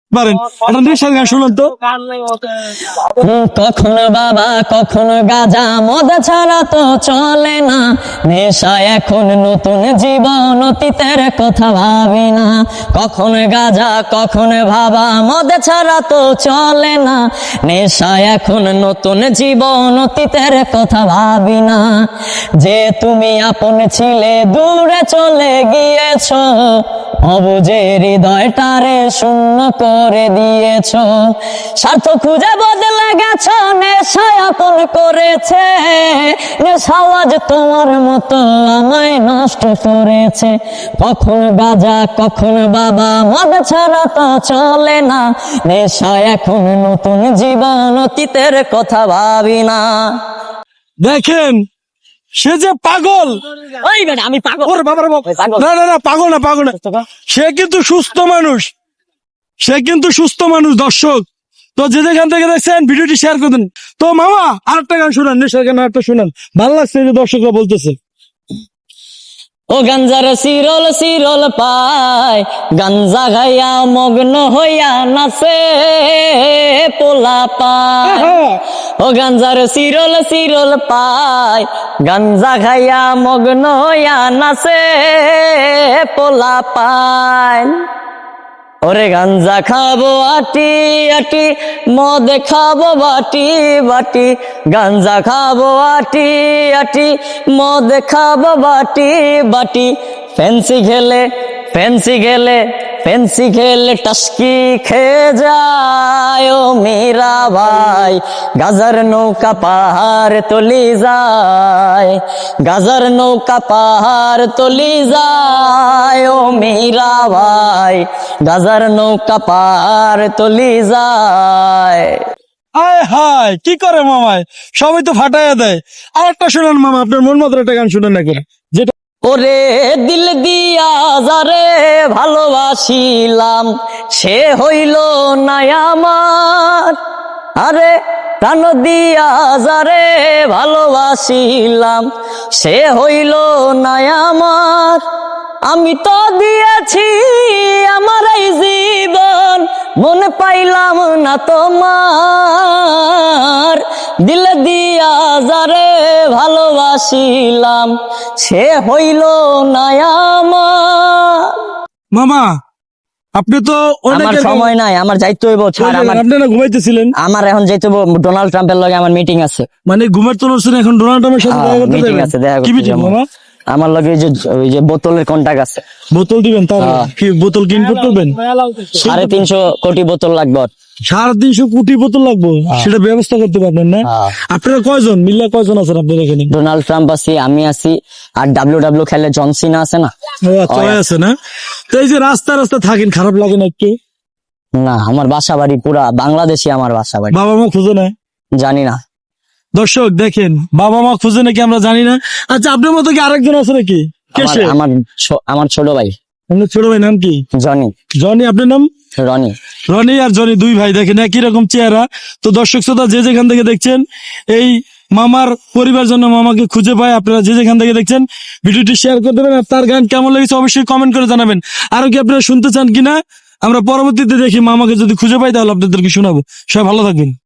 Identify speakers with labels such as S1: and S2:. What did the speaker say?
S1: পারেন একটা নেশার গান শুনুন তো।
S2: কখনো বাবা কখনো গাজা মদ ছাড়া তো চলে না, নেশা এখন নতুন জীবন অতীতের কথা ভাবি না। কখনো গাজা কখনো বাবা মদ ছাড়া তো চলে না, নেশা এখন নতুন জীবন অতীতের কথা ভাবি না। যে তুমি আপন ছিলে দূরে চলে গিয়েছ, অবুঝে হৃদয়টারে শূন্য করে দিয়েছ। স্বার্থ খুঁজে বদলে গেছ, নেশা আপন করেছে, নেশা আজ তোমার মতো আমায় নষ্ট করেছে। কখন গাজা কখন বাবা মদ ছাড়া তো চলে না, নেশা এখন নতুন জীবন অতীতের কথা ভাবি না।
S1: দেখেন সে যে পাগল,
S2: ওই বেটা আমি পাগল।
S1: ওরে বাবা রে বাবা।
S2: পাগল।
S1: না না না পাগল না, পাগল না, সে কিন্তু সুস্থ মানুষ, সে কিন্তু সুস্থ মানুষ। দর্শক তো যে যেখান থেকে দেখছেন ভিডিওটি শেয়ার করে দিন। তো মামা আরেকটা গান শুনান, নেশার গান আরেকটা শুনান, ভালো লাগছে যে দর্শকরা বলতেছে।
S2: ও গাঞ্জার সিরল সিরল পায়, গাঞ্জা গাইয়া মগ্ন হইয়া নাচে পোলা পায়। ও গাঞ্জার সিরল সিরল পায়, গাঞ্জা খাইয়া মগ্ন হইয়া নাচে পোলা পায়। ওরে গাঞ্জা খাবো আটি আটি, মদ খাবো বাটি বাটি, গাঞ্জা খাবো আটি আটি, মদ খাবো বাটি বাটি। ফেন্সি খেলে ফেন্সি খেলে ফেন্সি খেলে টাস্কি খেয়ে যায় ও মেরা ভাই, গাজার নৌকা পাহাড় তলি যায়, গাজার নৌকা পাহাড় তলি যায় ও মেরা ভাই, গাজার নৌকা পাহাড় তলি যায়।
S1: আয় হায় কি করে মামায়, সবাই তো ফাটাইয়া দেয়। আরেকটা শুনান মামা, আপনার মন মতো একটা গান শুনান না করে, যেটা
S2: ওরে দিল দিয়া যারে ভালোবাসিলাম, সে হইল না আমার। আরে প্রাণ দিয়া যারে ভালোবাসিলাম, সে হইল না আমার। আমি তো দিয়েছি আমার এই জীবন, মনে পাইলাম না তোমার। দিল দিয়া যারে ভালোবাসিলাম, সে হইল না আমার।
S1: মামা আপনি তো
S2: আমার সময় নাই, আমার যাইতে হইব। ছাড় আমার,
S1: আপনি না ঘুমাইতেছিলেন,
S2: আমার এখন যাইতে হইব, ডোনাল্ড ট্রাম্পের লগে আমার মিটিং আছে।
S1: মানে ঘুমের তো নড়ছেন, এখন ডোনাল্ড ট্রাম্পের সাথে দেখা করতে
S2: মিটিং
S1: যাবেন?
S2: আছে, দেখা
S1: কি
S2: করতে
S1: মিটিং
S2: যাবো।
S1: মামা?
S2: আমার লগে ওই যে বোতলের কন্টাক্ট আছে।
S1: বোতল দিবেন? তার
S2: হ্যাঁ।
S1: কি বোতল কি ইনপুট করবেন?
S2: 350 কোটি বোতল লাগবে।
S1: 350 কোটি বোতল লাগবে, সেটা ব্যবস্থা করতে পারবেন না?
S2: হ্যাঁ।
S1: আপনারা কয়জন মিল্লা, কয়জন আছেন আপনার এখানে?
S2: ডোনাল্ড ট্রাম্প আছি, আমি আছি, আর ডাব্লিউ খেলে জন সিনা আছে না।
S1: ও আচ্ছা, ওই আছে না? তো এই যে রাস্তা রাস্তা থাকেন, খারাপ লাগে না একটু?
S2: না, আমার বাসা বাড়ি পুরা বাংলাদেশি, আমার বাসা বাড়ি।
S1: বাবা মা খুঁজে না?
S2: জানি না।
S1: দর্শক দেখেন, বাবা মা খুঁজে নাকি আমরা জানি না। আচ্ছা আপনার মতো কি আরেকজন আছে নাকি? কে সে?
S2: আমার ছোট ভাই।
S1: আপনার ছোট ভাই নাম কি?
S2: জনি।
S1: জনি। আপনার নাম?
S2: রনি।
S1: রনি আর জনি, দুই ভাই, দেখেন একই রকম চেহারা। তো দর্শক শ্রোতা যে যেখান থেকে দেখছেন, এই মামার পরিবার জন্য মামাকে খুঁজে পায়, আপনারা যে যেখান থেকে দেখছেন ভিডিওটি শেয়ার করে দেবেন। আর তার গান কেমন লেগেছে অবশ্যই কমেন্ট করে জানাবেন। আরো কি আপনারা শুনতে চান কিনা আমরা পরবর্তীতে দেখি, মামাকে যদি খুঁজে পাই তাহলে আপনাদেরকে শোনাবো। সবাই ভালো থাকবেন।